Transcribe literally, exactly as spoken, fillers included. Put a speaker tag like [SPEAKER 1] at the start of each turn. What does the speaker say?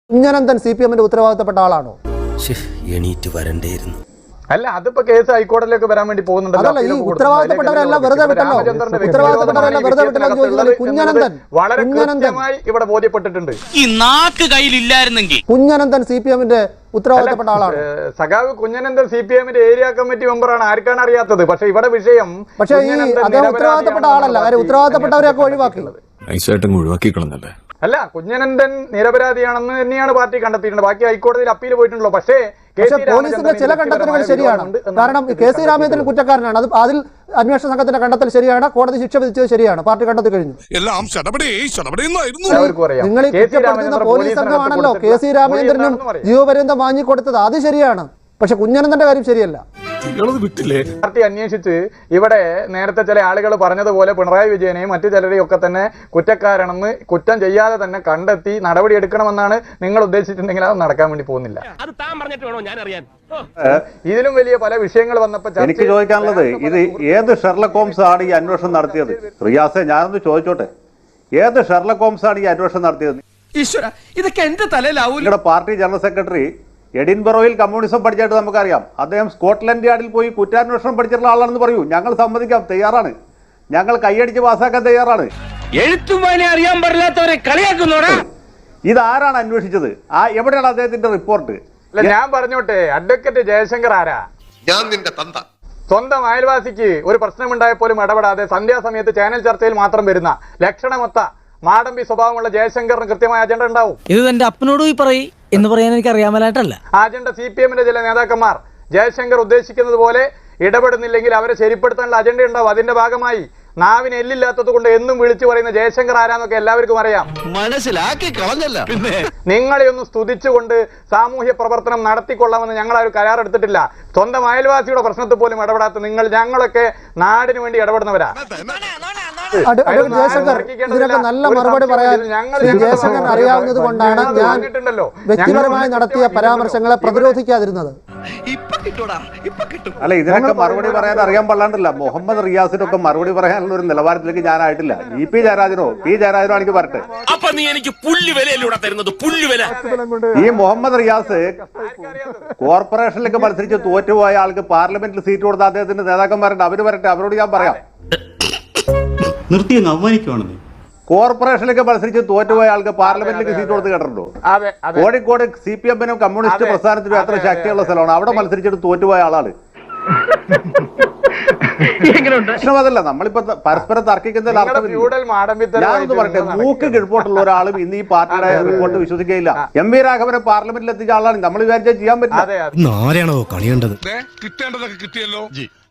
[SPEAKER 1] Kunhananthan C P എമ്മിന്റെ ഉത്തരവാദിത്തപ്പെട്ട ആളാണോ?
[SPEAKER 2] എണീറ്റ് വരണ്ടേയിരുന്നു.
[SPEAKER 3] അല്ല, അതിപ്പോ കേസ് ഹൈക്കോടതിയിലേക്ക് വരാൻ വേണ്ടി പോകുന്നുണ്ടല്ലോ.
[SPEAKER 1] ഉത്തരവാദിത്തപ്പെട്ടവരെല്ലാം വെറുതെ വിട്ടല്ലോ. ഉത്തരവാദിത്തപ്പെട്ടവരെല്ലാം വെറുതെ വിട്ടല്ലോ എന്ന് ചോദിച്ചാൽ കുഞ്ഞനന്തൻ
[SPEAKER 3] വളരെ കൃത്യമായി ഇവിടെ ബോധ്യപ്പെട്ടിട്ടുണ്ട്.
[SPEAKER 2] ഈ നാക്ക് കയ്യിലില്ലായിരുന്നെങ്കിൽ
[SPEAKER 1] കുഞ്ഞനന്തൻ സി പി എമ്മിന്റെ ഉത്തരവാദിത്തപ്പെട്ട ആളാണ്.
[SPEAKER 3] സഖാവ് കുഞ്ഞനന്തൻ സി പി എമ്മിന്റെ ഏരിയ കമ്മിറ്റി മെമ്പറാണ്. ആർക്കാണ് അറിയാത്തത്? പക്ഷെ ഇവിടെ വിഷയം
[SPEAKER 1] പക്ഷേ ഈ അദ്ദേഹം ഉത്തരവാദിത്തപ്പെട്ട ആളല്ല. കാര്യം ഉത്തരവാദിത്തപ്പെട്ടവരെയൊക്കെ ഒഴിവാക്കി
[SPEAKER 4] ഒഴിവാക്കിക്കളന്നല്ലേ.
[SPEAKER 3] അല്ല, കുഞ്ഞനന്തൻ നിരപരാധിയാണെന്ന് തന്നെയാണ് പാർട്ടി കണ്ടെത്തിയിട്ടുണ്ട്. ബാക്കി ഹൈക്കോടതിയിൽ അപ്പീൽ പോയിട്ടുള്ളൂ. പക്ഷേ
[SPEAKER 1] പോലീസിന്റെ ചില കണ്ടെത്തലുകൾ ശരിയാണ്. കാരണം കെ സി രാമചന്ദ്രൻ കുറ്റക്കാരനാണ്. അത് അതിൽ അന്വേഷണ സംഘത്തിന്റെ കണ്ടെത്തൽ ശരിയാണ്. കോടതി ശിക്ഷ വിധിച്ചത് ശരിയാണ്. പാർട്ടി കണ്ടെത്തി കഴിഞ്ഞു. നിങ്ങൾ ഈ കുറ്റപ്പെടുത്തുന്ന പോലീസ് സംഘമാണല്ലോ കെ സി രാമചന്ദ്രനും ജീവപര്യന്തം വാങ്ങിക്കൊടുത്തത്. അത് ശരിയാണ്. പക്ഷെ കുഞ്ഞനന്തന്റെ കാര്യം ശരിയല്ല.
[SPEAKER 3] പാർട്ടി അന്വേഷിച്ച് ഇവിടെ നേരത്തെ ചില ആളുകൾ പറഞ്ഞതുപോലെ പിണറായി വിജയനെയും മറ്റു ചിലരെയും ഒക്കെ തന്നെ കുറ്റക്കാരാണെന്ന് കുറ്റം ചെയ്യാതെ തന്നെ കണ്ടെത്തി നടപടി എടുക്കണമെന്നാണ് നിങ്ങൾ ഉദ്ദേശിച്ചിട്ടുണ്ടെങ്കിൽ അത് നടക്കാൻ വേണ്ടി പോകുന്നില്ല. ഇതിലും വലിയ പല വിഷയങ്ങൾ വന്നപ്പോൾ
[SPEAKER 5] എനിക്ക് ചോദിക്കാനുള്ളത്, ഇത് ഏത് ഷെർലക് ഹോംസ് ആണ് ഈ അന്വേഷണം നടത്തിയത്? റിയാസെ, ഞാനൊന്ന് ചോദിച്ചോട്ടെ, ഏത് ഷെർലക് ഹോംസ് ആണ് ഈ അന്വേഷണം നടത്തിയത്?
[SPEAKER 2] ഇതൊക്കെ എന്റെ തലയിലാവൂല.
[SPEAKER 5] നിങ്ങളുടെ പാർട്ടി ജനറൽ സെക്രട്ടറി എഡിൻബറോയിൽ കമ്മ്യൂണിസം പഠിച്ചായിട്ട് നമുക്കറിയാം. അദ്ദേഹം സ്കോട്ട്ലൻഡ് യാർഡിൽ പോയി കുറ്റാന്വേഷണം പഠിച്ചിട്ടുള്ള ആളാണെന്ന് പറയൂ. ഞങ്ങൾ സമ്മതിക്കാം, തയ്യാറാണ്. ഞങ്ങൾ കൈയടിച്ച് പാസ്സാക്കാൻ തയ്യാറാണ്.
[SPEAKER 2] എഴുത്തുമാനെ അറിയാൻ പാടില്ലാത്തവരെ കളിയാക്കുന്നോടാ.
[SPEAKER 5] ഇതാരാണ് അന്വേഷിച്ചത്? ആ എവിടെയാണ് അദ്ദേഹത്തിന്റെ റിപ്പോർട്ട്?
[SPEAKER 3] ഞാൻ പറഞ്ഞോട്ടെ, അഡ്വക്കേറ്റ് ജയശങ്കർ ആരാ?
[SPEAKER 6] ഞാൻ നിന്റെ തന്ത.
[SPEAKER 3] സ്വന്തം അയൽവാസിക്ക് ഒരു പ്രശ്നമുണ്ടായപ്പോലും ഇടപെടാതെ സന്ധ്യാസമയത്ത് ചാനൽ ചർച്ചയിൽ മാത്രം വരുന്ന ലക്ഷണമൊത്ത മാടമ്പി സ്വഭാവമുള്ള ജയശങ്കറിന് കൃത്യമായ അജണ്ട ഉണ്ടാവും.
[SPEAKER 7] ഇത് എന്റെ അപ്പനോട് പോയി പറയും എന്ന് പറയാൻ എനിക്ക് അറിയാമലായിട്ടല്ല.
[SPEAKER 3] ആ അജണ്ട സി പി എമ്മിന്റെ ചില നേതാക്കന്മാർ ജയശങ്കർ ഉദ്ദേശിക്കുന്നത് പോലെ ഇടപെടുന്നില്ലെങ്കിൽ അവരെ ശരിപ്പെടുത്താനുള്ള അജണ്ട ഉണ്ടാവും. അതിന്റെ ഭാഗമായി നാവിന് എല്ലില്ലാത്തത് കൊണ്ട് എന്നും വിളിച്ചു പറയുന്ന ജയശങ്കർ ആരാന്നൊക്കെ എല്ലാവർക്കും അറിയാം.
[SPEAKER 2] മനസ്സിലാക്കി കളഞ്ഞല്ല.
[SPEAKER 3] നിങ്ങളെ ഒന്ന് സ്തുതിച്ചുകൊണ്ട് സാമൂഹ്യ പ്രവർത്തനം നടത്തിക്കൊള്ളാമെന്ന് ഞങ്ങൾ ആ ഒരു കരാറെടുത്തിട്ടില്ല. സ്വന്തം അയൽവാസിയുടെ പ്രശ്നത്തിൽ പോലും ഇടപെടാത്ത നിങ്ങൾ, ഞങ്ങളൊക്കെ നാടിന് വേണ്ടി ഇടപെടുന്നവരാ.
[SPEAKER 1] ജയശങ്കർ ഇതിനൊക്കെ നല്ല മറുപടി പറയാൻ ജയശങ്കർ അറിയാവുന്നത് കൊണ്ടാണ് ഞാൻ വ്യക്തിപരമായി നടത്തിയ പരാമർശങ്ങളെ പ്രതിരോധിക്കാതിരുന്നത്.
[SPEAKER 5] അല്ല, ഇതിനൊക്കെ മറുപടി പറയാൻ അറിയാൻ പാടില്ല. മുഹമ്മദ് റിയാസിനൊക്കെ മറുപടി പറയാനുള്ള ഒരു നിലവാരത്തിലേക്ക് ഞാനായിട്ടില്ല. ഇ പി ജയരാജനോ പി ജയരാജനോ എനിക്ക് പറട്ടെ. ഈ മുഹമ്മദ് റിയാസ് കോർപ്പറേഷനിലേക്ക് മത്സരിച്ച് തോറ്റുപോയ ആൾക്ക് പാർലമെന്റിൽ സീറ്റ് കൊടുത്ത അദ്ദേഹത്തിന്റെ നേതാക്കന്മാരുണ്ട്. അവര് വരട്ടെ, അവരോട് ഞാൻ പറയാം.
[SPEAKER 8] നിർത്തി അങ്ങ് അവമാനിക്കുവാണെന്ന്.
[SPEAKER 5] കോർപ്പറേഷനിലേക്ക് മത്സരിച്ച് തോറ്റുപോയ ആൾക്ക് പാർലമെന്റിലേക്ക് സീറ്റ് കൊടുത്ത് കേട്ടിട്ടുണ്ടോ? കോഴിക്കോട് സി പി എമ്മിനും കമ്മ്യൂണിസ്റ്റ് പ്രസ്ഥാനത്തിനും എത്ര ശക്തിയുള്ള സ്ഥലമാണ്. അവിടെ മത്സരിച്ചിട്ട് തോറ്റുപോയ ആളാണ്. പ്രശ്നമതല്ല, നമ്മളിപ്പോ പരസ്പരം തർക്കിക്കുന്നതിൽ അർത്ഥമില്ല. ഞാനൊന്ന് പറയട്ടെ, മൂക്ക് കിഴപ്പോട്ടുള്ള ഒരാളും ഇന്ന് ഈ പാർട്ടിയുടെ റിപ്പോർട്ട് വിശ്വസിക്കുകയില്ല. എം വി രാഘവനെ പാർലമെന്റിൽ എത്തിച്ച ആളാണ്. നമ്മൾ വിചാരിച്ചാൽ ചെയ്യാൻ പറ്റില്ല.
[SPEAKER 4] ആരെയാണോ കളിയേണ്ടത്? കിട്ടേണ്ടതൊക്കെ കിട്ടിയല്ലോ.